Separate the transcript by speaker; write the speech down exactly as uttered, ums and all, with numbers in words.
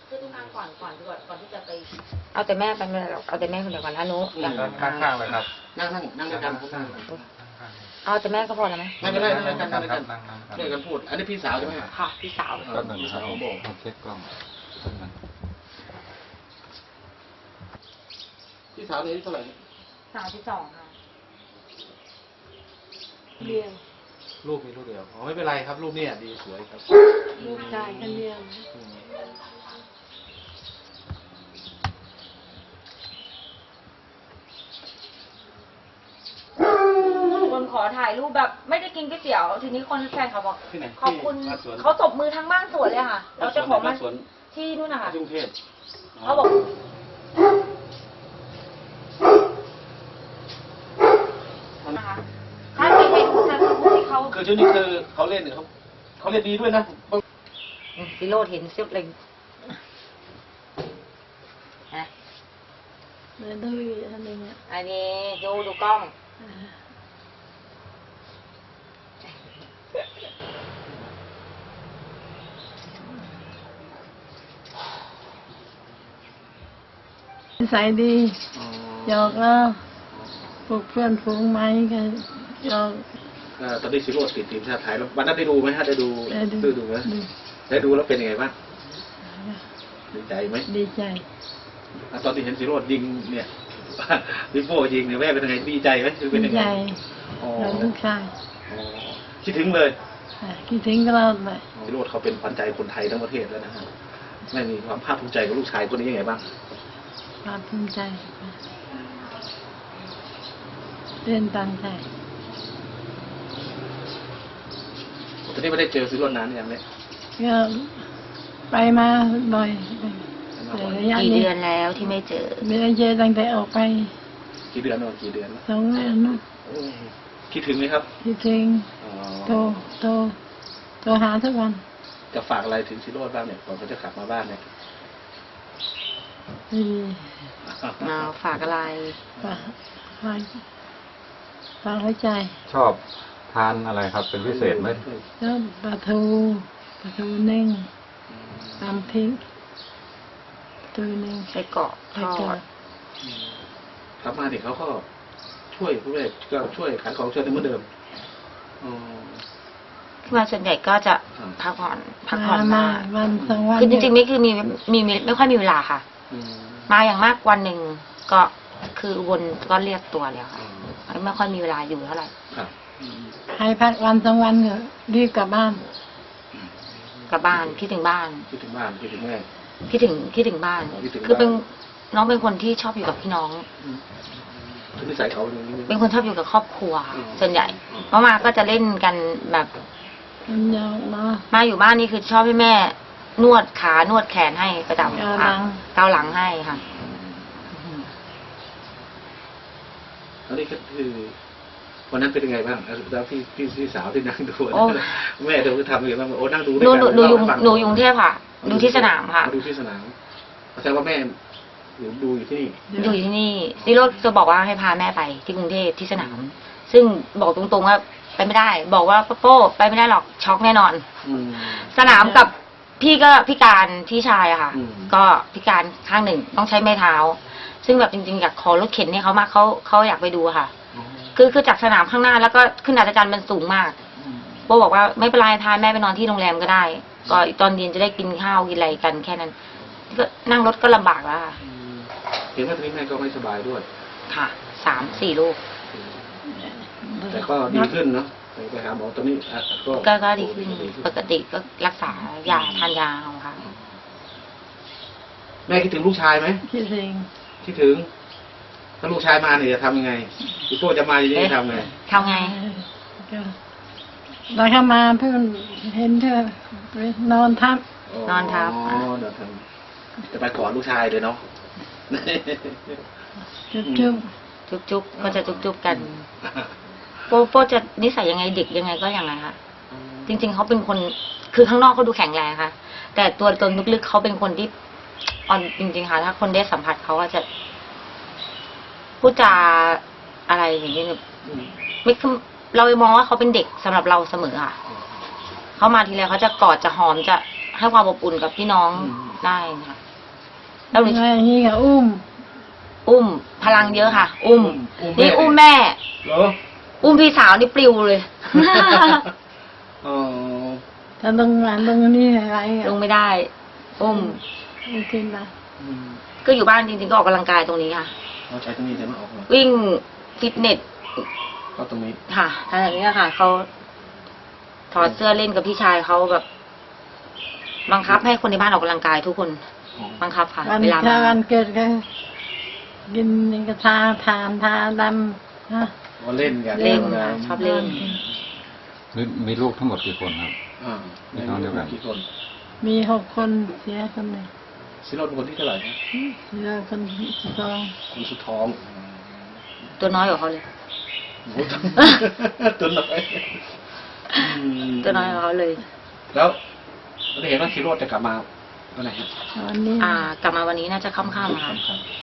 Speaker 1: คือทุกครั้งก่อนก่อนก่อนก่อนที่จะไปเอาแต่แม่ไปไม่ได้หรอกเอาแต่แม่คนเดียวก่อนนะนุอย่าง
Speaker 2: ข้างๆเลยครับ
Speaker 3: นั่งนั่งนั่งด้วยกัน
Speaker 1: เอาแต่แม่ก็พอแล้วไหม
Speaker 3: ไม่เป็นไรนั่งด้วยกันนั่งด้วยกัน
Speaker 2: นั่งนั่ง
Speaker 3: ด้วยกันพูด อันนี้พี่สาวใช่ไหม
Speaker 1: ค่ะพี่สาว
Speaker 2: ก็หนึ่งครับผมเช็คกล้อง
Speaker 3: พี่สาวนี่อายุเท่าไหร่
Speaker 1: สาวที่สองค่ะ
Speaker 4: เรียน
Speaker 3: ลูกมีลูกเดียวอ๋อไม่เป็นไรครับลูกเนี่ยดีสวยครับ
Speaker 4: ลูกชายกันเรียน
Speaker 3: อืม
Speaker 1: คนขอถ่ายรูปแบบไม่ได้กินก๋วยเตี๋ยว ทีนี้คนแฟนเขาบอก
Speaker 3: ที่ไหน
Speaker 1: ขอบคุณ
Speaker 3: ที่บ้านสวน
Speaker 1: เขาตบมือทั้งบ้านสวนเลยค่ะ เราจะขอมา
Speaker 3: บ้านสวน
Speaker 1: ที่นู่นนะคะ
Speaker 3: ที่กรุงเทพ
Speaker 1: เขาบอกนะคะถ้าที่เห็นจะพูดที่เขา
Speaker 3: คือช่วงนี้คือเขาเล่นเนี่ยเขาเขาเล่นดีด้วยนะ
Speaker 1: ซิโรดเห็นเซฟเลยฮะ
Speaker 4: เรียนด้วยอันนี้เนี่ย
Speaker 1: อันนี้ดูดูกล้อง
Speaker 4: นิสัยดีหยอกเราพวกเพื่อนฝูงไหมกันหยอก
Speaker 3: เอ่อตอนนี้ซิโร่ติดทีมชาติไทยแล้ววันนั้นได้ดูไหมฮะได้ดู
Speaker 4: ได้ดู
Speaker 3: ซื้อดูไหม
Speaker 4: ดู
Speaker 3: ได้ดูแล้วเป็นยังไงบ้างดีใจไหม
Speaker 4: ดีใจ
Speaker 3: อ่ะตอนที่เห็นซิโร่ยิงเนี่ย ลิโป้ยิงเนี่ยแม่เป็นยังไงดีใจไหมคือเป็น
Speaker 4: ดี
Speaker 3: ยังไง
Speaker 4: ใจ
Speaker 3: อ๋อ
Speaker 4: เราลูกชาย
Speaker 3: อ๋อคิดถึงเลย
Speaker 4: อ่ะคิดถึงก็เราเลย
Speaker 3: ซิโร่เขาเป็นขวัญใจคนไทยทั้งประเทศแล้วนะฮะแม่มีความภาคภูมิใจกับลูกชายคนนี้ยังไงบ้าง
Speaker 4: ความภูมิใจเรียนตามใจ
Speaker 3: ตอนนี้ไม่ได้เจอซิโร่นานยังเนี่ย
Speaker 4: ก็ไปมาบ่อยแต่ระยะ
Speaker 1: กี่
Speaker 4: นี้
Speaker 1: เดือนแล้วที่ไม่เจอ
Speaker 4: ไม่ได้เจอตั้งแต่ออกไป
Speaker 3: กี่เดือนแล้วกี่เดือนแล้ว
Speaker 4: สองเดือนเนอะ
Speaker 3: โอ้คิดถึงไหมครับ
Speaker 4: คิดถึง
Speaker 3: อ๋อ
Speaker 4: โทรโทรโทรหาทุกวัน
Speaker 3: จะฝากอะไรถึงซิโร่บ้างเนี่ยก่อนเขาจะกลับมาบ้านเนี่ย
Speaker 4: ดี
Speaker 1: มาฝากอะไร
Speaker 4: ฝากฝากฝากหัวใจ
Speaker 2: ชอบทานอะไรครับเป็นพิเศษไหม
Speaker 4: แล้วปลาทูปลาทูนึ่งตำพริกปลาทูนึ่ง
Speaker 1: ไส้กรอกท
Speaker 4: ไข่
Speaker 1: อ
Speaker 4: เจียว
Speaker 1: ด
Speaker 3: กลับมาเนี่ยเขาก็ช่วยผู้เล่นก็ช่วยขายของช่วยเหมือนเดิมอ๋อ
Speaker 1: ที่มาส่วนใหญ่ก็จะพักผ่อนพักผ่อน
Speaker 4: มา
Speaker 1: มา
Speaker 4: วันสองวัน
Speaker 1: คือจริงๆไม่คือมีมีมีไม่ค่อยมีเวลาค่ะ
Speaker 3: อืม
Speaker 1: มาอย่างมากวันหนึ่งก็คือวนก็เรียกตัวแล้วค่ะไม่ค่อยมีเวลาอยู่เท่าไหร่
Speaker 3: ครับอืม
Speaker 4: ให้พักวันสองวันก็รีบกลับบ้าน
Speaker 1: กลับบ้านคิดถึงบ้าน
Speaker 3: คิดถึงบ้านคิดถึงแม่
Speaker 1: คิดถึงคิดถึงบ้าน
Speaker 3: คิดถึงบ้าน
Speaker 1: คือเป็นน้องเป็นคนที่ชอบอยู่กับพี่น้อง
Speaker 3: อืมคือนิสัยเขาอย่างนี้
Speaker 1: เป็นคนชอบอยู่กับครอบครัว
Speaker 3: อืม
Speaker 1: ส่วนใหญ่เพราะมาก็จะเล่นกันแบบ
Speaker 4: มันยาวมา
Speaker 1: มาอยู่บ้านนี่คือชอบให้แม่ นวดขานวดแขนให้ประจำ
Speaker 4: เกาหลัง
Speaker 1: เกาหลังให้ค่ะ
Speaker 3: อันนี้ก็คือวันนั้นเป็นยังไงบ้างแล้วพี่พี่พี่สาวที่นั่งดู
Speaker 1: โอ้
Speaker 3: แม่เธอทำยังไงบ้างโอ้นั่งดู
Speaker 1: หนูหนูหนูอยู่
Speaker 3: เล่าให้ฟัง
Speaker 1: หนูอยู่กรุงเทพค่ะ ดูที่สนามค่ะ
Speaker 3: ดูที่สนามแสดงว่าแม่อยู่ดูอยู่ที่นี่
Speaker 1: อยู่ที่นี่ซิโรจะบอกว่าให้พาแม่ไปที่กรุงเทพที่สนาม ซึ่งบอกตรงๆว่าไปไม่ได้ บอกว่าโป้ไปไม่ได้หรอกช็อกแน่นอน
Speaker 3: อืม
Speaker 1: สนามกับพี่ก็พิการพี่ชายอะค่ะ
Speaker 3: อืม
Speaker 1: ก็พิการข้างหนึ่งต้องใช้ไม้เท้า ซึ่งแบบจริงๆอยากขอรถเข็นให้เขามากเขาเขาอยากไปดูอะค่ะ คือคือจากสนามข้างหน้าแล้วก็ขึ้นอัศจรรย์มันสูงมาก
Speaker 3: อืม
Speaker 1: โป้บอกว่าไม่เป็นไรทานแม่ไปนอนที่โรงแรมก็ได้ ก็ตอนเย็นจะได้กินข้าวกินอะไรกันแค่นั้น ก็นั่งรถก็ลำบากแล้วค่ะ
Speaker 3: อืมเห็นว่าตอนนี้แม่ก็ไม่สบายด้วย
Speaker 1: ค่ะสามสี่ลูก
Speaker 3: แต่ก็ดีขึ้นเนาะไปไปหาหมอตอนนี้อ่ะก็
Speaker 1: ก็ก็ดีขึ้นปกติก็รักษายาทานยาเอาค่ะ
Speaker 3: แม่คิดถึงลูกชายไหม
Speaker 4: คิดถึง
Speaker 3: คิดถึง ถ้าลูกชายมาเนี่ยจะทำยังไงพี่โป้จะมาจะยังทำไง
Speaker 1: ทำไง
Speaker 4: ก็เราเข้ามาเพื่อนเห็นเธอไปนอนทับ
Speaker 1: นอนทับ
Speaker 3: อ๋อเดี๋ยวทำจะไปกอดลูกชายเลยเนาะ
Speaker 4: จุ๊บจุ๊บ
Speaker 1: จุ๊บจุ๊บก็จะจุ๊บจุ๊บกันโป้โป้จะนิสัยยังไงเด็กยังไงก็อย่างไรค่ะ จริง ๆเขาเป็นคนคือข้างนอกเขาดูแข็งแรงค่ะ แต่ตัวตนลึกๆเขาเป็นคนที่อ่อนจริง ๆ ค่ะ ถ้าคนได้สัมผัสเขาก็จะพูดจาอะไรอย่างนี้เนี่ยไม่คือเรามองว่าเขาเป็นเด็กสำหรับเราเสมอค่ะเขามาทีไรเขาจะกอดจะหอมจะให้ความอบอุ่นกับพี่น้อง
Speaker 3: อืม
Speaker 1: ได้ค่ะแล้วหนู
Speaker 4: ไงนี่ก็อุ้ม
Speaker 1: อุ้มพลังเยอะค่ะ อุ้ม
Speaker 3: อุ้ม
Speaker 1: นี่
Speaker 3: แม่
Speaker 1: อุ้มแม่
Speaker 3: เหรอ
Speaker 1: อุ้มพี่สาวนี่ปลิวเลย
Speaker 3: อ๋อ
Speaker 4: ถ้าลงมาลงนี่อะไรอ่ะ
Speaker 1: ลงไม่ได้ อุ้ม
Speaker 4: ไม่ขึ้นละ
Speaker 3: อืม
Speaker 1: ก็อยู่บ้านจริงๆก็ออกกำลังกายตรงนี้ค่ะ
Speaker 3: เราใช้ตรงนี้แต่ไม่ออกเลย
Speaker 1: วิ่งฟิตเนส
Speaker 3: ก็ตรงนี้
Speaker 1: ค่ะทางอย่างนี้ค่ะเขาถอดเสื้อเล่นกับพี่ชายเขาแบบ บังคับให้คนในบ้านออกกำลังกายทุกคน
Speaker 3: อ๋อ
Speaker 1: บังคับค่ะ
Speaker 4: วัน
Speaker 1: เวลา
Speaker 4: ถ้า
Speaker 1: มา
Speaker 4: วันเกิดก็กินนี่ก็ทาทานทาดำฮะ
Speaker 3: ว่าเล่นกัน
Speaker 1: เล่น
Speaker 3: นะ
Speaker 1: ค่ะชอบเล่น
Speaker 2: มีมีลูกทั้งหมดกี่คนครับ
Speaker 3: อ่า
Speaker 2: มีน้องเดียวกัน
Speaker 3: กี่คน
Speaker 4: มีหกคนเสียคนหนึ่ง
Speaker 3: ซิโรดเป็นคนที่เท่าไหร่นะ
Speaker 4: เสียคนที่สอง
Speaker 3: คนสุดท้อง
Speaker 1: ตัวน้อยกว่าเขาเลย
Speaker 3: โอ้โหตัวน้อยอืม
Speaker 1: ตัวน้อยกว่าเขาเลย
Speaker 3: แล้วเราได้เห็นว่าซิโรดจะกลับมาวันไหนฮะ
Speaker 4: วันนี้
Speaker 1: อ่า กลับมาวันนี้น่าจะค่ำๆค่ะ
Speaker 3: ครับ